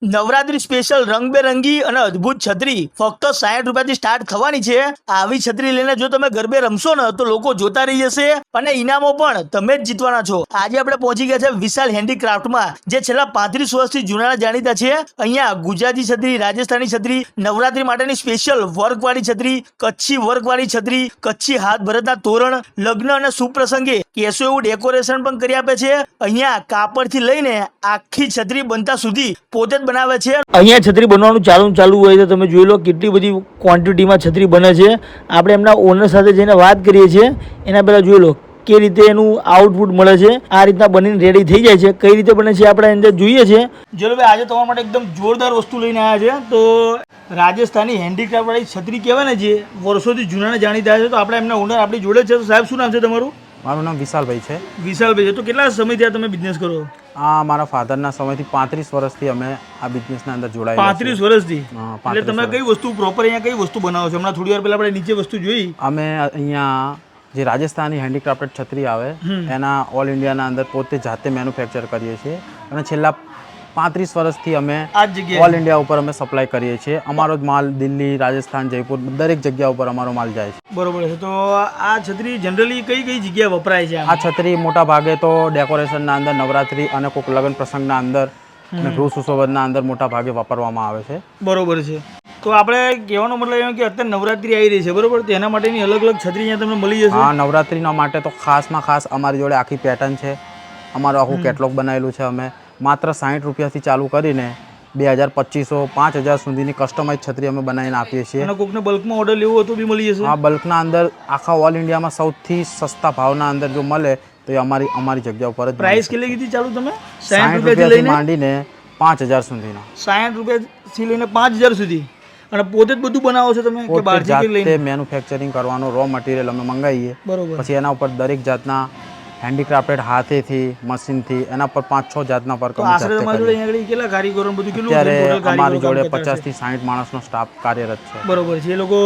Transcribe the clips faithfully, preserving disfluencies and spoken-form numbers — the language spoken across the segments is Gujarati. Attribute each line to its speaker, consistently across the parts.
Speaker 1: નવરાત્રી સ્પેશિયલ રંગબેરંગી અને અદ્ભુત છત્રી ફક્ત સાઠ રૂપિયાથી સ્ટાર્ટ થવાની છે। આવી છત્રી લઈને જો તમે ગરબે રમશો ને તો લોકો જોતા રહી જશે અને ઇનામો પણ તમે જ જીતવાના છો। આજે આપણે પહોંચી ગયા છે વિશાલ હેન્ડીક્રાફ્ટમાં, જે છેલ્લા પાંત્રીસ વર્ષથી જૂના જાણીતા છે। અહીંયા ગુજરાતી છત્રી, રાજસ્થાની છત્રી, નવરાત્રી માટેની સ્પેશિયલ વર્કવાળી છત્રી, કચ્છી વર્કવાળી છત્રી, કચ્છી હાથ ભરતના તોરણ, લગ્ન અને શુભ પ્રસંગે કેસો એવું ડેકોરેશન પણ કરી આપે છે। અહીંયા કાપડથી લઈને આખી છત્રી બનતા સુધી પોતે જ બનાવે છે। અહીંયા છત્રી બનવાનું ચાલુ ચાલુ હોય તો તમે જોઈ લો કેટલી બધી ક્વોન્ટિટીમાં છત્રી બને છે। આપણે એમના ઓનર સાથે જઈને વાત કરીએ છીએ। એના પહેલા જોઈ લો કે રીતે એનું આઉટપુટ મળે છે। આ રીતના બનીને રેડી થઈ જાય છે। કઈ રીતે બને છે આપણે અંદર જોઈએ છે। જોલો ભાઈ, આજે તમારા માટે એકદમ જોરદાર વસ્તુ લઈને આવ્યા છે। તો રાજસ્થાની હેન્ડીક્રાફ્ટ વાળી છત્રી કહેવાય ને, જે વર્ષોથી જૂના જાણીતા છે, તો આપણે એમના ઓનર આપણી જોડે છે। તો સાહેબ, શું નામ છે તમારું?
Speaker 2: મારું નામ વિશાલભાઈ છે।
Speaker 1: વિશાલભાઈ છે। તો કેટલા સમયથી તમે બિઝનેસ કરો?
Speaker 2: આ મારા ફાધરના સમયથી પાંત્રીસ વર્ષથી અમે આ બિઝનેસના અંદર જોડાયેલા છીએ।
Speaker 1: પાંત્રીસ વર્ષથી?
Speaker 2: હા,
Speaker 1: એટલે તમે કઈ વસ્તુ પ્રોપર અહીંયા કઈ વસ્તુ બનાવો છો? હમણાં થોડી વાર પહેલા આપણે નીચે વસ્તુ જોઈ।
Speaker 2: અમે અહીંયા જે રાજસ્થાની હેન્ડીક્રાફ્ટેડ છત્રી આવે એના ઓલ ઇન્ડિયાના અંદર પોતે જાતે મેન્યુફેક્ચર કરીએ છીએ અને છેલ્લા પાંત્રીસ વર્ષથી અમે
Speaker 1: આ જગ્યાએ
Speaker 2: ઓલ ઇન્ડિયા ઉપર અમે સપ્લાય કરીએ છીએ। અમારો જ માલ દિલ્હી, રાજસ્થાન, જયપુર દરેક જગ્યા ઉપર અમારો માલ જાય છે।
Speaker 1: બરોબર છે। તો આ છત્રી જનરલી કઈ કઈ જગ્યાએ વપરાય છે?
Speaker 2: આ છત્રી મોટા ભાગે તો ડેકોરેશનના અંદર, નવરાત્રી અને કોઈક લગ્ન પ્રસંગના અંદર અને ગૃહ સુશોભનના અંદર મોટા ભાગે વાપરવામાં આવે છે।
Speaker 1: બરોબર છે। તો આપણે કહેવાનો મતલબ એમ કે અત્યારે નવરાત્રી આવી રહી છે, બરોબર? તો એના માટેની અલગ અલગ છત્રી અહીંયા તમને મળી જશે?
Speaker 2: હા, નવરાત્રીના માટે તો ખાસમાં ખાસ અમારી જોડે આખી પેટર્ન છે। અમારું આખું કેટલોગ બનાવેલું છે। અમે માત્ર સાઠ રૂપિયાથી ચાલુ કરીને બે હજાર પચીસો પાંચ હજાર સુધીની કસ્ટમાઇઝ છત્રી અમે બનાવીને આપીએ છીએ।
Speaker 1: અને કોઈકને બલ્કમાં ઓર્ડર લેવો હોય તો બી મળી જશે?
Speaker 2: હા, બલ્કના અંદર આખા ઓલ ઇન્ડિયામાં સૌથી સસ્તા ભાવના અંદર જો મળે તો એ અમારી અમારી જગ્યા ઉપર જ।
Speaker 1: પ્રાઇસ કેટલી કીધી ચાલુ તમે?
Speaker 2: સાઠ રૂપિયાથી માંડીને પાંચ હજાર સુધીના।
Speaker 1: સાઠ રૂપિયાથી લઈને પાંચ હજાર સુધી? અને પોતે જ બધું બનાવો છો તમે કે બહારથી લઈને?
Speaker 2: મેન્યુફેક્ચરિંગ કરવાનો રો મટીરિયલ અમે મંગાવીએ,
Speaker 1: બરોબર।
Speaker 2: પછી એના ઉપર દરેક જાતના હેન્ડીક્રાફ્ટેડ હાથેથી, મશીનથી એના પર પાંચ છ જાતના વર્ક અમે
Speaker 1: આશરે તમારી જોડે અહીંયા આગળ કેટલા કારીગરો બધું કેટલું?
Speaker 2: અત્યારે અમારી જોડે પચાસ થી સાઠ માણસનો સ્ટાફ કાર્યરત છે।
Speaker 1: બરોબર છે। એ લોકો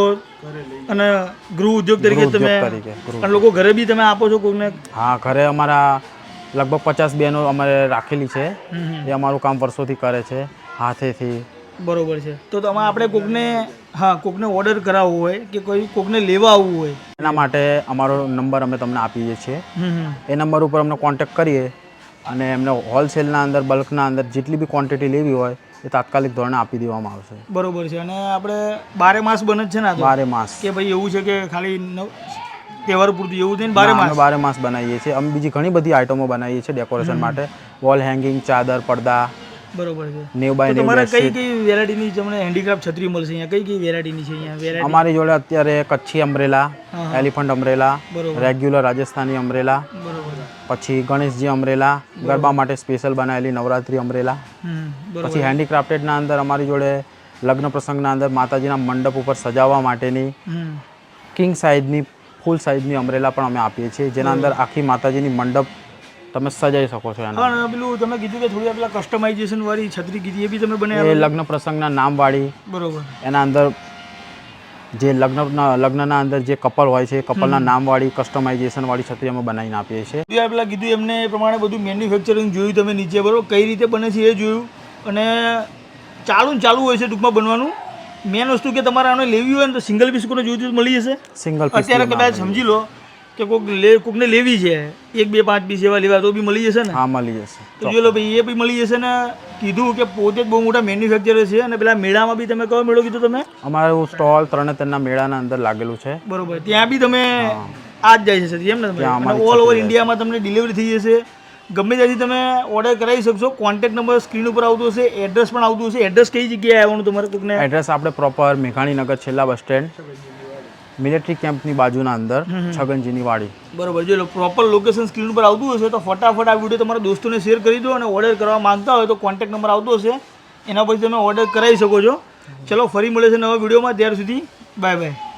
Speaker 1: અને ગૃહ ઉદ્યોગ તરીકે તમે અને લોકો ઘરે બી તમે આપો છો કોઈને?
Speaker 2: હા, ઘરે અમારા લગભગ પચાસ બહેનો અમારે રાખેલી છે। એ અમારું કામ વર્ષોથી કરે છે હાથેથી।
Speaker 1: બરોબર છે। તો તમે આપણે કોકને હા કોકને ઓર્ડર કરાવવો હોય કે કોઈ કોકને લેવા આવવું હોય
Speaker 2: એના માટે અમારો નંબર અમે તમને આપીએ છીએ। એ નંબર ઉપર અમને કોન્ટેક્ટ કરીએ અને એમને હોલસેલના અંદર, બલ્કના અંદર જેટલી બી ક્વોન્ટિટી લેવી હોય એ તાત્કાલિક ધોરણે આપી દેવામાં આવશે।
Speaker 1: બરોબર છે। અને આપણે બારે માસ બને જ છે ને?
Speaker 2: બારે માસ કે
Speaker 1: ભાઈ એવું છે કે ખાલી તહેવાર પૂરતું એવું થઈને બારે માસ?
Speaker 2: બારે માસ બનાવીએ છીએ અમે। બીજી ઘણી બધી આઇટમો બનાવીએ છીએ ડેકોરેશન માટે, વોલ હેંગિંગ, ચાદર, પડદા।
Speaker 1: બરોબર છે।
Speaker 2: નેવ બાય નેવ
Speaker 1: તમારે કઈ કઈ વેરાયટીની તમને હેન્ડીક્રાફ્ટ છત્રી મળશે અહીંયા? કઈ કઈ વેરાયટીની છે અહીંયા વેરાયટી?
Speaker 2: અમારી જોડે અત્યારે Kutchi umbrella, elephant umbrella, regular Rajasthani umbrella,
Speaker 1: બરોબર,
Speaker 2: પછી ગણેશજી અમ્બ્રેલા, ગરબા માટે સ્પેશિયલ બનાવેલી નવરાત્રી અમ્બ્રેલા, પછી હેન્ડીક્રાફ્ટેડના અંદર અમારી જોડે લગ્ન પ્રસંગના અંદર માતાજીના મંડપ ઉપર સજાવવા માટેની કિંગ સાઇઝની, ફૂલ સાઇઝની અમ્બ્રેલા પણ અમે આપીએ છીએ, જેના અંદર આખી માતાજીની મંડપ તમે સજાઈ શકો છો। એના
Speaker 1: હા, પેલું તમે કીધું કે થોડી પેલા કસ્ટમાઇઝેશન વાળી છત્રી કીધી, એ બી તમે
Speaker 2: એ
Speaker 1: બનાવી?
Speaker 2: લગ્ન પ્રસંગના નામવાળી,
Speaker 1: બરોબર।
Speaker 2: એના અંદર જે લગ્નના લગ્નના અંદર જે કપલ હોય છે, કપલના નામવાળી કસ્ટમાઇઝેશન વાળી છત્રી અમે બનાવીને આપીએ છીએ।
Speaker 1: પેલા કીધું એમને એ પ્રમાણે બધું મેન્યુફેક્ચરિંગ જોયું તમે નીચે, બરોબર? કઈ રીતે બને છે એ જોયું અને ચાલુ ને ચાલુ હોય છે ટૂંકમાં બનવાનું। મેન વસ્તુ કે તમારે આને લેવી હોય ને તો સિંગલ પીસ કોને જોઈતું મળી જશે?
Speaker 2: સિંગલ પીસ
Speaker 1: અત્યારે કદાચ સમજી લો કે કોઈક લે કોકને લેવી છે, એક બે પાંચ પીસ એવા લેવા તો બી મળી જશે ને?
Speaker 2: હા, મળી જશે।
Speaker 1: તો જોઈ લો ભાઈ, એ બી મળી જશે ને। કીધું કે પોતે જ બહુ મોટા મેન્યુફેક્ચરર છે। અને પેલા મેળામાં બી તમે કયો મેળો કીધું તમે?
Speaker 2: અમારું સ્ટોલ તરણેતરના મેળાના અંદર લાગેલું છે।
Speaker 1: બરોબર। ત્યાં બી તમે આ જ જાય છે એમ ને? અને ઓલ ઓવર ઇન્ડિયામાં તમને ડિલિવરી થઈ જશે। ગમે ત્યાંથી તમે ઓર્ડર કરાવી શકશો। કોન્ટેક્ટ નંબર સ્ક્રીન ઉપર આવતો હશે, એડ્રેસ પણ આવતું હશે। એડ્રેસ કઈ જગ્યાએ આવવાનું તમારે કોકને?
Speaker 2: એડ્રેસ આપણે પ્રોપર મેઘાણીનગર છેલ્લા બસ સ્ટેન્ડ, મિલિટરી કેમ્પની બાજુના અંદર, છગનજીની વાડી।
Speaker 1: બરોબર। જો પ્રોપર લોકેશન સ્ક્રીન ઉપર આવતું હશે તો ફટાફટ આ વિડીયો તમારા દોસ્તોને શેર કરી દો અને ઓર્ડર કરવા માંગતા હોય તો કોન્ટેક્ટ નંબર આવતો હશે, એના પછી તમે ઓર્ડર કરાવી શકો છો। ચલો, ફરી મળે છે નવા વિડીયોમાં, ત્યાર સુધી બાય બાય।